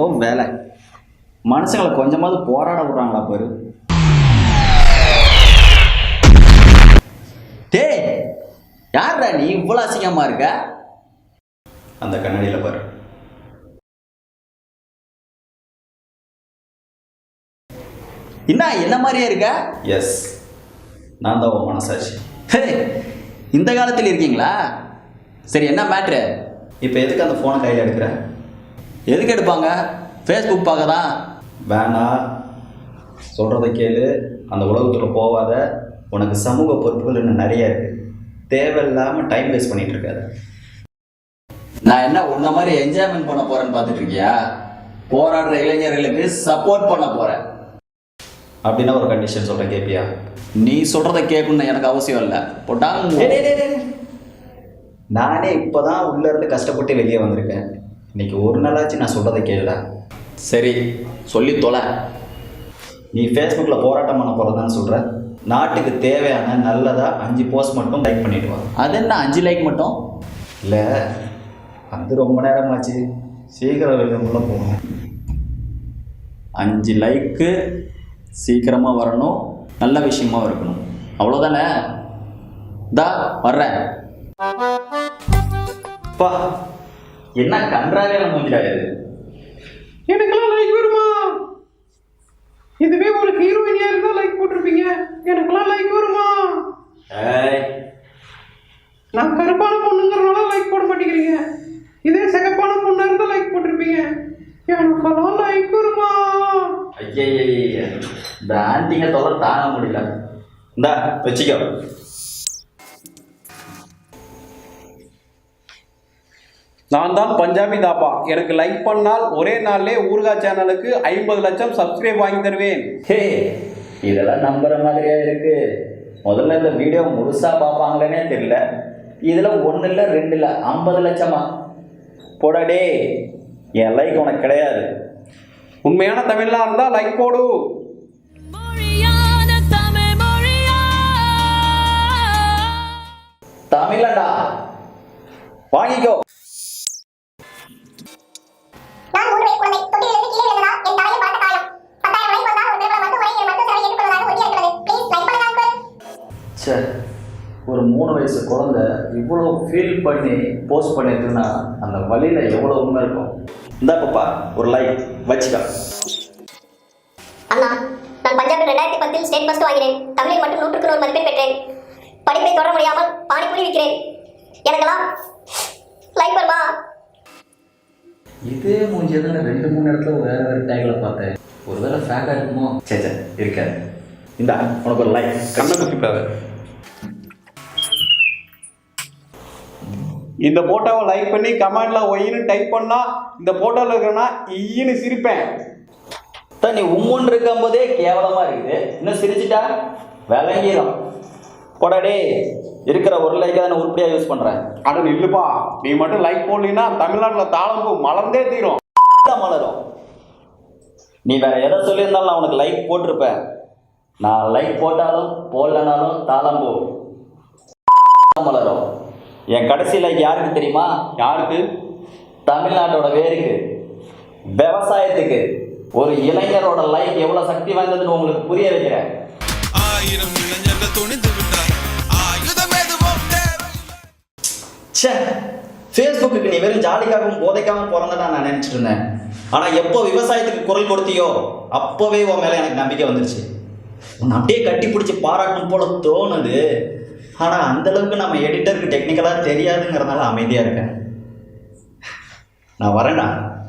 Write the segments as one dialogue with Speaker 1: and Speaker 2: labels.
Speaker 1: வேலை. மனுஷங்களை கொஞ்சமாவது போராட விடுறாங்களா பாரு. டேய், யார்டா நீ இவ்வளோ அசிங்கமா இருக்க? அந்த கண்ணாடியில் பாரு. என்ன மாதிரியே இருக்க? எஸ், நான் தான் உன் மனசாச்சு. இந்த காலத்தில் இருக்கீங்களா? சரி, என்ன மேட்ரு? இப்போ எதுக்கு அந்த ஃபோனை கையில் எடுக்கிற? எதுக்கு எடுப்பாங்க? ஃபேஸ்புக் பார்க்க தான். வேணா, சொல்கிறத கேளு. அந்த உலகத்தில் போகாத. உனக்கு சமூக பொறுப்புகள் இன்னும் நிறைய இருக்குது. தேவையில்லாமல் டைம் வேஸ்ட் பண்ணிகிட்டு இருக்காது. நான் என்ன உன்ன மாதிரி என்ஜாய்மெண்ட் பண்ண போகிறேன்னு பார்த்துட்டு இருக்கியா? போராடுற இளைஞர்களுக்கு சப்போர்ட் பண்ண போகிறேன். அப்படின்னா ஒரு கண்டிஷன் சொல்கிறேன், கேட்பியா? நீ சொல்கிறத கேட்கணும்னு எனக்கு அவசியம் இல்லை. போட்டாங்க. நானே இப்போ தான் உள்ளேருந்து கஷ்டப்பட்டு வெளியே வந்திருக்கேன். இன்னைக்கு ஒரு நாளாச்சு நான் சொல்கிறத கேளு. சரி, சொல்லி தொலை. நீ ஃபேஸ்புக்கில் போராட்டம் பண்ண போகிறதான்னு சொல்கிற. நாட்டுக்கு தேவையான நல்லதாக 5 போஸ்ட் மட்டும் லைக் பண்ணிட்டு வா. அது என்ன 5 லைக் மட்டும்? இல்லை, அது ரொம்ப நேரமாச்சு. சீக்கிரம் வெளியுள்ள போகணும். 5 லைக்கு சீக்கிரமாக வரணும், நல்ல விஷயமா இருக்கணும். அவ்வளோதானே? தா வர்றேன். பா, என்ன கன்றாவே மூஞ்சிடாது.
Speaker 2: எனக்கெல்லாம் லைக் வருமா? இதுவே ஒரு ஹீரோயினியா இருந்தா லைக் போட்டிருப்பீங்க. எனக்கெல்லாம் லைக் வருமா? நான் கருப்பான பொண்ணுங்கிறனால லைக் போட மாட்டேங்கிறீங்க. இதே சிகப்பான பொண்ணா இருந்தா லைக் போட்டிருப்பீங்க. எனக்கெல்லாம் லைக் வருமா?
Speaker 1: ஐயா, இந்த ஆண்டிங்க தொலை தாங்க முடியல. இந்தா வச்சுக்கோ.
Speaker 2: நான் தான் பஞ்சாபி தாப்பா. எனக்கு லைக் பண்ணால் ஒரே நாள்லே ஊர்கா சேனலுக்கு 50 லட்சம் சப்ஸ்கிரைப் வாங்கி தருவேன்.
Speaker 1: ஹே, இதெல்லாம் நம்புற மாதிரியா இருக்கு? முதல்ல இந்த வீடியோ முழுசா பார்ப்பாங்களேனே தெரியல. இதில் 1 இல்லை 2 இல்லை 50 லட்சமா? போடாடே, என் லைக் உனக்கு கிடையாது.
Speaker 2: உண்மையான தமிழ்லாம் இருந்தால் லைக் போடு.
Speaker 1: தமிழண்டா, வாங்கிக்கோ. ஒரு 3 வயசு குழந்தை இவ்வளோ ஃபீல் பண்ணி போஸ்ட் பண்ணிருக்குன்னா அந்த வழியில் எவ்வளோ உண்மை இருக்கும். இந்த பாப்பா ஒரு லைக் வச்சுக்கா.
Speaker 3: அண்ணா, நான் பஞ்சாபில் 2010 ஸ்டேட் ஃபர்ஸ்ட் வாங்கினேன். தமிழில் மட்டும் 100க்கு 100 மதிப்பெண் பெற்றேன். படிப்பை தொடர முடியாமல் பானிபூரி விற்கிறேன். எனக்கெல்லாம் லைக் வருமா?
Speaker 1: இதே மூஞ்சியை நான் 2-3 இடத்துல வேறு டேக்கில் பார்த்தேன். ஒருவேளை ஃபேக்காக இருக்குமோ? சரி இருக்காது. இந்த உனக்கு ஒரு லைக்.
Speaker 2: கண்ணை குத்திப்பாரு. இந்த போட்டோவை லைக் பண்ணி கமெண்ட்ல ஒயின்னு டைப் பண்ணா இந்த போட்டோவில் இருக்கிறனா ஈன்னு சிரிப்பேன்.
Speaker 1: நீ உம்முன்னு இருக்கும் போதே கேவலமா இருக்குது, இன்னும் சிரிச்சுட்டா விளங்கிடும். போடாடே, இருக்கிற ஒரு லைக்கை தான் உருப்படியாக யூஸ் பண்ணுறேன்.
Speaker 2: அட நில்லுப்பா, நீ மட்டும் லைக் போடலின்னா தமிழ்நாட்டில் தாளம்பூ மலர்ந்தே தீரும்.
Speaker 1: மலரும். நீ வேற எதை சொல்லியிருந்தாலும் நான் உனக்கு லைக் போட்டிருப்பேன். நான் லைக் போட்டாலும் போடலனாலும் தாளம்பூ மலரும். என் கடைசி லைக் யாருக்கு தெரியுமா?
Speaker 2: யாருக்கு?
Speaker 1: தமிழ்நாட்டோட வேருக்கு, விவசாயத்துக்கு. ஒரு இளைஞரோட லைக் எவ்வளவு சக்தி வாய்ந்ததுன்னு உங்களுக்கு புரிய வைக்கிறேன்.
Speaker 4: 1000 இளைஞர்கள் துணிந்து விட்டார். ஆயுதம் எதுவும்
Speaker 1: ஃபேஸ்புக்கு நீ வெறும் ஜாலிக்காகவும் போதைக்காகவும் பிறந்தடா நான் நினைச்சிட்டு இருந்தேன். ஆனா எப்போ விவசாயத்துக்கு குரல் கொடுத்தியோ அப்போவே உன் மேல எனக்கு நம்பிக்கை வந்துருச்சு. உன்னை அப்படியே கட்டி பிடிச்சி பாராட்டணும் போல தோணுது. ஆனா அந்த அளவுக்கு நம்ம எடிட்டருக்கு டெக்னிக்கலா தெரியாதுங்கிறதுனால அமைதியா இருக்கேன். நான் வரேன்டா.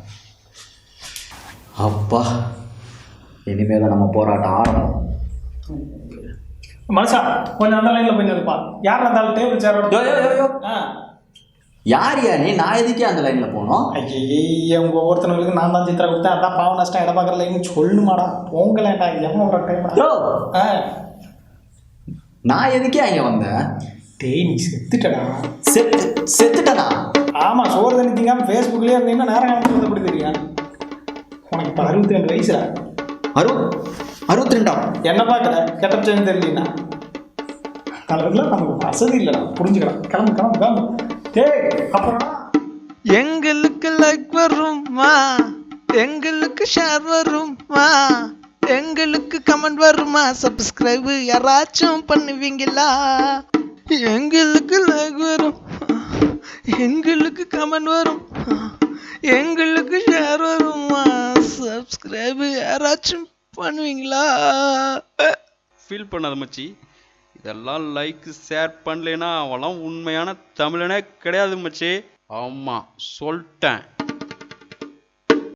Speaker 1: அப்பா, இனிமேல் நம்ம போராட்டம் ஆரம்பம்.
Speaker 5: மனுஷா, கொஞ்சம் அந்த லைன்ல போய் நிற்பா. யார் இருந்தாலும் டேபிள் சேரோட
Speaker 1: யாரியா நீ? நான் எதுக்கே அந்த லைன்ல போனோம்?
Speaker 5: ஐயே, உங்க ஒவ்வொருத்தவங்களுக்கு நான் தான் சித்திரா கொடுத்தேன். அதான் பாவம் நஷ்டம் இடம் பார்க்குற லைன் சொல்லணுமாடா? போங்கலேண்டா, எவ்வளோ டைம்.
Speaker 1: நான் எதுக்கே அங்கே வந்தேன்?
Speaker 5: டேய், நீ செத்துட்டடா.
Speaker 1: செத்துட்டனா?
Speaker 5: ஆமாம், சோறு தண்ணி திங்காமல் ஃபேஸ்புக்லேயே இருந்தீங்கன்னா நேரம் காலத்தில் எப்படி தெரியும்? உனக்கு இப்போ 62 வயசுடா.
Speaker 1: 62?
Speaker 5: என்ன பார்க்குற? கெட்டப்சான்னு தெரியலண்ணா. கலரில் நமக்கு வசதி இல்லைடா, புரிஞ்சுக்கலாம். கிளம்பு கிளம்பு கிளம்பு. டேய், அப்புறம்
Speaker 4: எங்களுக்கு லைக் வருமா?
Speaker 6: எங்களுக்கு ஷேர் வருமா, எங்களுக்கு கமெண்ட் வருமா, சப்ஸ்கிரைப் யாராச்சும் பண்ணுவீங்களா? எங்களுக்கு லைக் வரும், எங்களுக்கு கமெண்ட் வரும், எங்களுக்கு ஷேர் வருமா, சப்ஸ்கிரைப் யாராச்சும் பண்ணுவீங்களா?
Speaker 7: ஃபீல் பண்ணாத மச்சி, இதெல்லாம் லைக் ஷேர் பண்ணலைன்னா அவெல்லாம் உண்மையான தமிழனே கிடையாது மச்சி. ஆமாம் சொல்லிட்டேன்.